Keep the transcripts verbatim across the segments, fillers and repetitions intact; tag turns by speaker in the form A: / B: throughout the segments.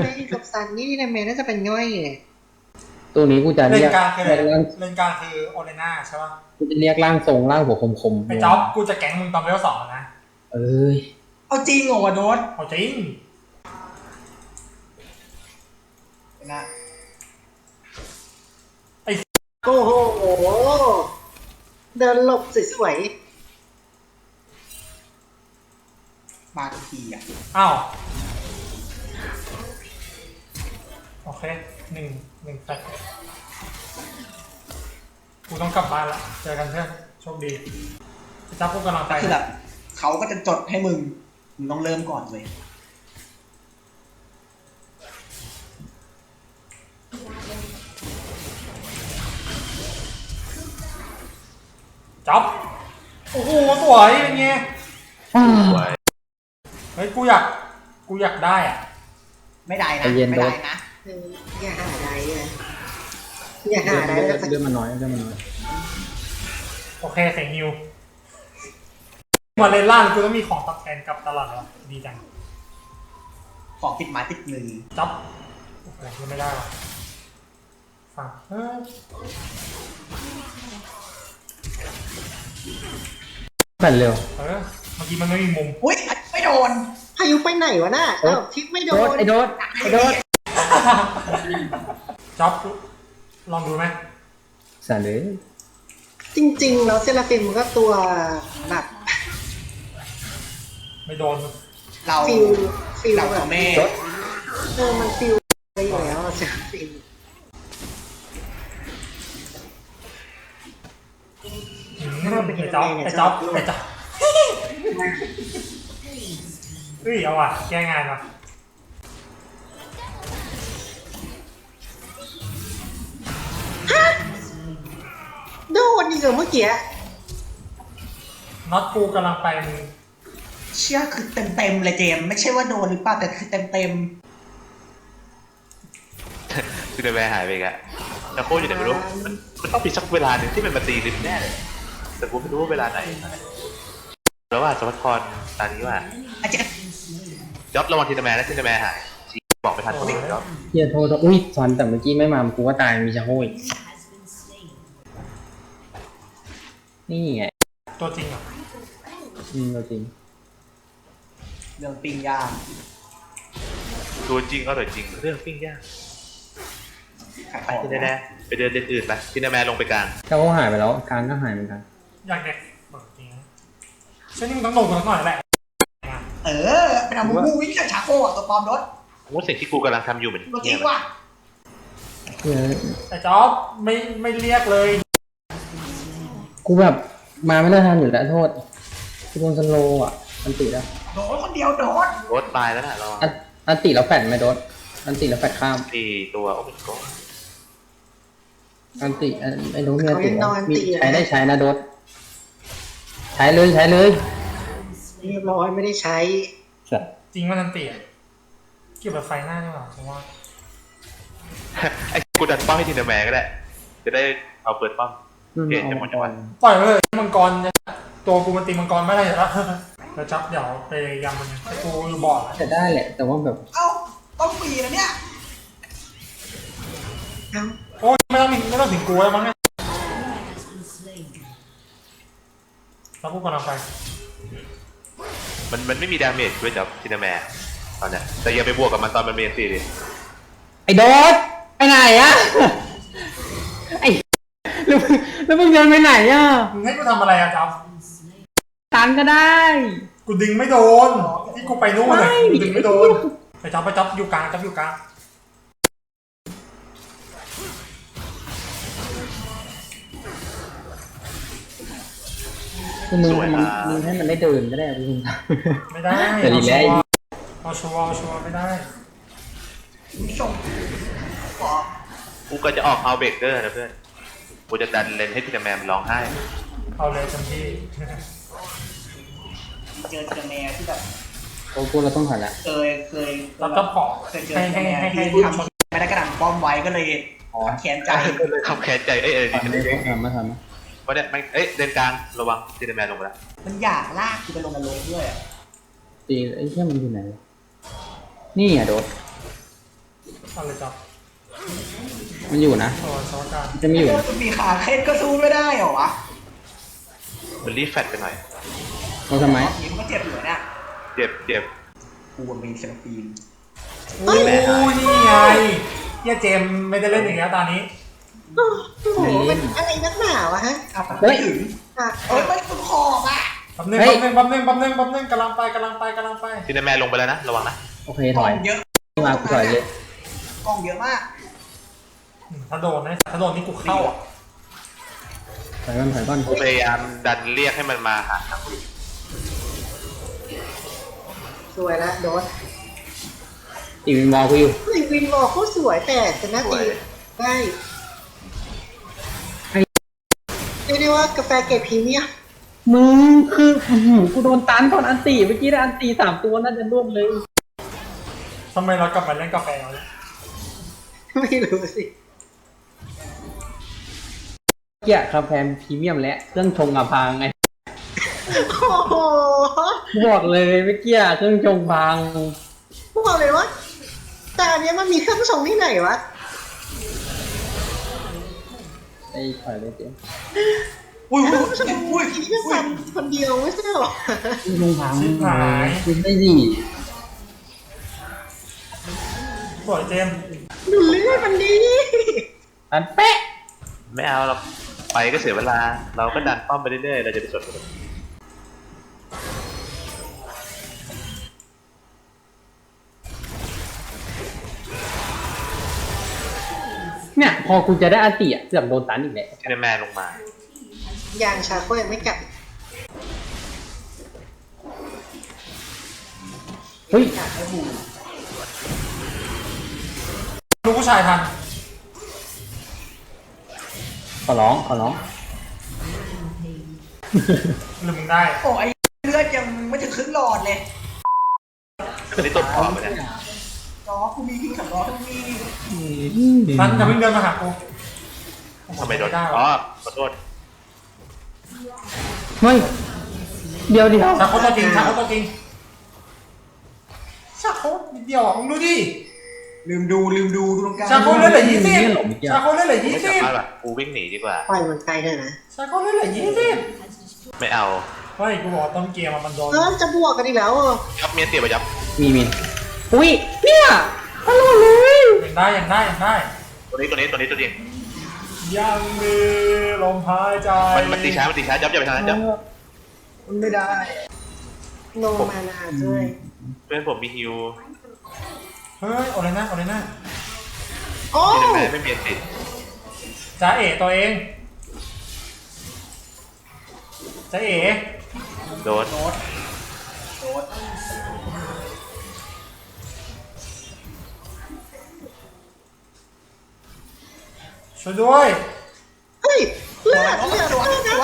A: เมย์กับซันนี่ทีนาเมน่าจะเป็นง่อยไง
B: ตัวนี้กูจะ
C: เล่
B: เรียก
C: นกลางคืออะไร
B: เรียกร่าง
C: เล่นกลางคือโอเลน่าใช่ป่ะ
B: กูจะเรียกร่างทรงร่างหัวคมๆ
C: ไอ้จ๊อบกูจะแก๊งมึงตอนเลเวลสองนะ
B: เอ้ย
D: เอาจริงเหรอวะโดน
C: เอาจริง
D: นะ
A: โอ้โหเดินหลบสวย
D: มาทุกทีอ่ะ
C: อ้าวโอเคหนึ่งหนึ่งแปดกูต้องกลับบ้านละเจอกันเพื่อนโชคดีจับพวกกำลังไป
D: คือแบบเขาก็จะจดให้มึงมึงต้องเริ่มก่อนเลย
C: จับโอ้โหสวยเป็นไงเฮ้ยกูอยากกูอยากได้อ่ะ
D: ไม่ได้นะไม่ได้นะ
A: อย่าหาได้เลยอย่าหาได้
B: เรื่องมันน้อยเรื่องมันน้อย
C: โอเคเสียงนิวมาเล่นล่างกูต้องมีของตอบแทนกลับตลอดเลยดีจัง
D: ของติดไม้ติดมือ
C: จับโอ้โหยังไม่ได้หรอฟังเฮ้ย
B: แผ่นเร็ว
C: เออเมื่อกี้มันไม่มีมุม
D: อุ้ยไม่โดน
A: พายุไปไหนวะน่ะอ้าวทิปไม่โดน
B: ไอ้โดนไอ้โดน
C: จ๊อบลองดูไหม
B: สั่นเลย
A: จริงๆแล้วเซราฟิมก็ตัวแบบ
C: ไม่โดน
D: เรา
A: ฟิลฟิล
D: เรา
A: แบบ
D: แม่
A: เออมันฟิลไปอยู่แล้วเซราฟิม
C: ไอ้จ๊อบไอ้จ๊อบไอ้จ๊อบเฮ้ยเอาว่ะแก้งานว่ะ
A: โดนดีกว่าเมื่อกี้
C: น็อตกูกำลังไปมึง
D: เชื่อคือเต็มเต็มเลยเจมไม่ใช่ว่าโดนหรือเปล่าแต่คือเต็มเต็ม
E: คือเดินไปหายไปอีกอะแต่โคตรอยู่ไหนไม่รู้มันมันต้องมีสักเวลาหนึ่งที่มันมาตีริมแน่เลยแต่กูไม่รู้ว่าเวลาไหนแล้วว่าสวัสดิ์พรตอนนี้ว่า
D: อาจารย์
E: จ็อบระวังทีนแมนและทีนแมนหายบอกไปทันคนเด็กจ็อบ
B: เฮียโทษอุ้ยสอนแต่เมื่อกี้ไม่มากูว่าตายมีชะโห้ยนี่ไง
C: ตัวจริงเหรอ
B: อืมตัวจริง
D: เรื่องปิ้งยาง
E: ตัวจริงก็ตัวจริงเรื่องปิ้งย่างไปที่แน่ๆไปเดินเดินอื่นไปทีนแมนลงไปกลาง
B: เขาหายไปแล้วกลางก็หายเหมือนกัน
C: อยากเด็กบอกจริงฉันนี่มึงต้องลงกันหน่อยแหละ
D: เออเป็นอามูมูวิ่งจากชาโก้ตัวปลอมรถ
E: ว่าสิ่งที่กูกำลังทำอยู่เหมือน
D: จริงว่ะ
C: แต่จ๊อบไม่ไม่เรียกเลย
B: กูแบบมาไม่ได้ทันอยู่แล้วโทษกูโดนสโลอ่ะอันติแล้ว
D: โดนคนเดียวโดน
E: รถตายแล้วนะเรา
B: อันติแล้วแฟดไหมโดนอันติแล้วแฟดข้าม
E: ตีตัวโอ้ยก็
B: อันติไอ้โดนมีอันติมีใช้ได้ใช้นะโดนใช้เลยใช้เลย
A: เรียบร้อยไม่ได้ใช้
C: จริงว่านันติเกี่ยวกับไฟหน้าใช่ไหมผมว่า
E: ไอ้กูดันป้อมให้ทีนแมนก็ได้จะได้เอาเปิดป้อมเกตจะหมดจังหวะ
C: ปล่อยเลยมังกรตัวกูมันตีมังกรไม่ได้แล้วแล้วจับเดี๋ยวไปยำมันแต่กูบอด
B: จะได้แหละแต่ว่าแบบ
D: เอ้าต้องฟรีนะเนี่ย
C: โอ้ยไม่ต้องไม่ต้องถึงกูแล้วมั้งเนี่ยแล้วกูกำลังไป
E: มันมันไม่มีดาเมจด้วยจับทีนแมนตอนเนี้ยแต่อย่าไปบวกกับมันตอนมันเมนซีดิ
B: ไอ้โดดไปไหนอะไอ้แล้วแล้วมึงเดินไปไหนอะ
C: มึงให้กูทำอะไรอะจ๊อบ
B: ตันก็ได้
C: กูดึงไม่โดนที่กูไปนู่นเลยกูดึงไม่โดนไปจ๊อบไปจ๊อบอยู่กลางจ๊อบอยู่กลาง
B: มึงมึงให้มันได้เดินก็ได้มึง
C: ไม่ได้เอาชัวร์เอาชัวร์เอาชัวร์ไม่ได้
E: กูก็จะออกเอาเบรกเกอร์นะเพื่อนกูจะดันเลนให้ทีนแมนมันร้องไห้
C: เอาเลยทันที
D: เจอทีนแมนที่แบบ
B: โอ้กูเราต้องผ่านละ
D: เคยเคย
C: เราต้องขอ
D: เคยเจอทีนแมนที่ทำไม่ได้กระดังป้อมไว้ก็เลยแค้นใจ
E: ขับแค้นใจเอ้ยเอ้ย
B: ไม่ได้ทำไม่ทำ
E: เพราะเนี่ยไม่เอ้ยเดินกลางระวังทีนแมนลงไปแล้ว
D: มันอยากลากกูไปลงนรกด้วย
B: ตีไอ้เชี่ยมันอยู่ไหนนี่อ่ะโดด
C: อะไรจับ
B: มันอยู่นะ
C: ตัวสวัสดิ์
B: จะมีอยู่นะ
D: มันมีขาเคล็ดก็สู้ไม่ได้เหรอวะ
E: มันรีบแฟตไปหน่อย
B: เราทำไม
D: ยิงก็เจ็บอยู่เนี่ย
E: เจ็บเจ็บ
D: กูมีเซลฟีน
C: โอ้ยนี่ไงเฮียเจมส์ไม่ได้เล่นอีกแล้วตอนนี้
A: โอ้โหมันอะไรนักหนาวะฮะ
D: อ่ะไม่ถึง
A: อ่ะ
D: เอ้ยมันสุดขอบอ่ะ
C: แป๊บนึงแป๊บนึงแป๊บนึงแป๊บนึงแป๊บนึงกำลังไปกำลังไปกำลังไป
E: ทีนแมนลงไปแล้วนะระวังนะ
B: โอเค
D: ก
B: ถ
D: ล้อ
B: อง ย
D: เยอะ
B: มากูถอยเลย
D: กล้องเยอะมาก
C: ถ้าโดนนะถ้าโดนนี่กูเข้าอ่ะ
B: ถอยก่อนถอยก่อน
E: กูพยายามดันเรียกให้มันมาหาทางกู
A: สวยละโดน
B: ตีวินวอลกูอยู่
A: เฮ้ยวินวอลเขาสวยแต่ชนะตีได้เรียกได้ว่ากาแฟเกรดพรีเมียม
B: มึงคืออื้อหือกูโดนตันตอนอันตีเมื่อกี้ได้อันตีสามตัวน่าจะร่วมเลย
C: ทำไมเรากลับมาเล่นกาแฟแล้วเนี่ย
A: ไม่รู้สิ
B: เกี่ยคาแฟพรีเมียมและเครื่องชงอะพังไง
A: โอ้โห
B: กูบอกเลยเมื่อกี้เครื่องชงพัง
A: พวกเราเลยว่าแต่อันเนี้ยมันมีเครื่องชงที่ไหนวะ
B: ไอ้ถอยเลยเจ๊
D: อุ้ย
A: เค
D: อุ้
A: รื่อย งชง
D: อุ้ย
A: ที่แค่
D: อุ้
A: ซั
D: ย
A: นคนเดียวไม่ใช่หรอ
B: เครื่องชงพัง
C: ชิบหาย
B: คุณได้ดิ
C: สวยเจมส์
A: ดูเลือดมันดี
B: อันเป๊ะ
E: ไม่เอาหรอกไปก็เสียเวลา เราก็ดันป้อมไปเรื่อยๆเราจะไปสนกับมัน
B: เนี่ยพอกูจะได้อันตีอะเกือบโดนตันอีกแล้ว
E: ทีนแมนลงมา
A: ยางชาโคยังไม่กลับ
B: เฮ้ย
C: ลูกผู้ชายทัน
B: ขอร้องขอร้อง
C: หรือมึงได้
D: โอ้ยเลือดยังไม่ถึงครึ่งหลอดเลย
E: อันนี้ต้นคอไปเนี่ย
D: จอกูมีพิงสำรองทั้งมี
C: ทันอย่าเพิ่งเดินมาหากู
E: ทำไมโดน
C: ได้
E: อ๋อ
C: วะ
E: ขอโทษ
B: เฮ้ยเดี๋ยวเดี๋ยว
C: ชาโคตัวจริงชาโคตัวจริงชาโคนิดเดียวอ่ะมึงดูดิ
D: ลืมดูลืมดูดูตรงกลาง
C: ชาโคเล่นเหลือยี่สิบชาโคเล่นเหลือยี่
E: ไม่
C: สิ
E: สา
C: บ
E: มารถแบบกูวิ่งหนีดีกว่า
A: ปล่อยมันไปเถอะนะ
C: ชาโคเล่นเหลือยี่สิบ
E: ไม่เอา
C: เฮ้ยกูบอกว่าต้นเกมอะมันโดน
A: เออจะบวกกันอีกแล้วอ่ะ
E: ยับเมียเตี๋ยวไปยับ
B: มีมีอุ้ยเนี่ยตลอดเลย
C: ยังได้ยังได้ยังได้
E: ตัวนี้ตัวนี้ตัวนี้ตัวจริง
C: ยังมีลมหายใจ
E: มันมันตีช้ามันตีช้ายับยับไปทางนั้นยับ
B: มันไม่ได้
A: โนมานาด้วย
E: เพื่อนผมมีฮิว
C: เฮ้ยเอาเลยนะเอาเลยนะ
A: โอ้
E: ทีนแมนไม่มีติด
C: จ้าเอ๋ตัวเองจ้าเอ๋
E: โดน
D: โดดโดด
C: ช่วยด้วย
A: เฮ้ยเลือด
D: ส
A: เลือด
D: วน
A: เลือด
D: ส
A: นะ
D: วน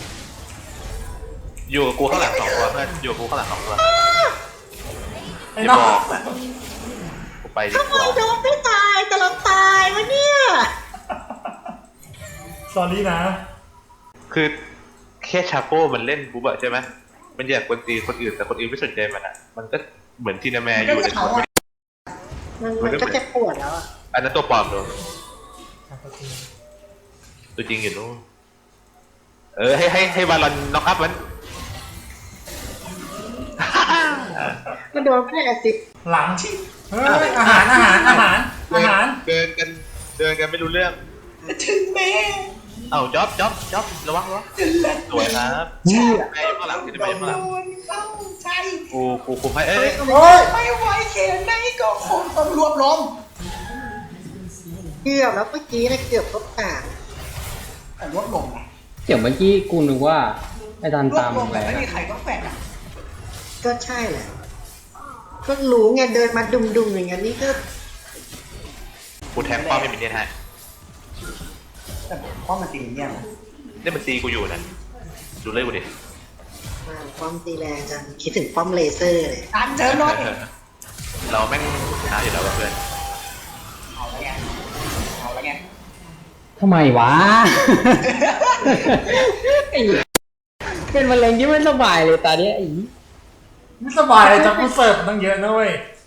E: อยู่กับกูข้างหลังสองตัวเพื่อนอยู่กับกูข้างหลังสองตัว
C: ไอ้
E: อย่า
C: น้อง
E: บอกนะกูไปดี
A: ทำไม
E: กว่า
A: โดนไม่ตายแต่เราตายวะเนี่ย
C: สอรี่นะ
E: คือแค่ชาโก้มันเล่นปุ๊บอะใช่ไหมมันอยากกวนตีคนอื่นแต่คนอื่นไม่สนใจมันอะมันก็เหมือนทีนแมนอยู่ใน
D: เขา
E: ตัว
D: อะ
A: มันมันก็เจ็บปวดแล้วอ่ะ
E: อันนั้นตัวปลอมตัวตัวจริงอยู่นู้นเออให้ให้ให้บาลอนน็อกอัพมัน
A: มันโดนแค่แอซิด
C: หลังเฮ้ยอาหารอาหารอาหารอาหาร
E: เดินกันเดินกันไม่รู้เรื่อง
D: ถึงแม่
E: เอ้าจ๊อบจ๊อบจ๊อบระวังระวัง
D: จะเลิศ
E: สวยครับ
B: นี่
E: แม่อยู่ข้างหลังที่
D: โด
E: แม่อยู่ข้างหลัง
D: นเอ้าใช่
E: กูกูคุมให้เอ้ย
C: โอ้ย
D: ไม่ไหวเขียนไหนก็คงต้องรวบรวม
A: เกือบแล้วเมื่อกี้นะเกือบทบกา
D: แต่รวบรวมนะ
B: เดี๋ยวเมื่อกี้กูนึกว่าไอ้ทัน
D: รว
B: ตา
D: บ
B: ม
D: รวม
B: อะไร
D: แต่ไม่มี
B: นะ
D: ใครต้องแฝดอ่ะ
A: ก็ใช่แหละก็รู้ไงเดินมาดุมๆอย่างนั้นนี่ก็
E: กูแทงป้อมไม่มีเนี่ยฮะ
D: แต่ผมว่ามันตีเนี่ยนะ
E: นี่มันตีกูอยู่นะดูเลยกูดิ
A: มาป้อมตีแรงจังคิดถึงป้อมเลเซอร์เลย
D: ตามเจอหน่อย
E: เราแม่งชนะอยู่แล้วว่ะเพื่อน
D: เอาละไงเอาละไง
B: ทำไมวะ ไอ้เป็นมะเร็งที่ไม่สบายเลยตาเนี้ยไอ้
C: ไม่สบายเลยจับกูเสิร์ฟตั้งเยอะนะเว้ย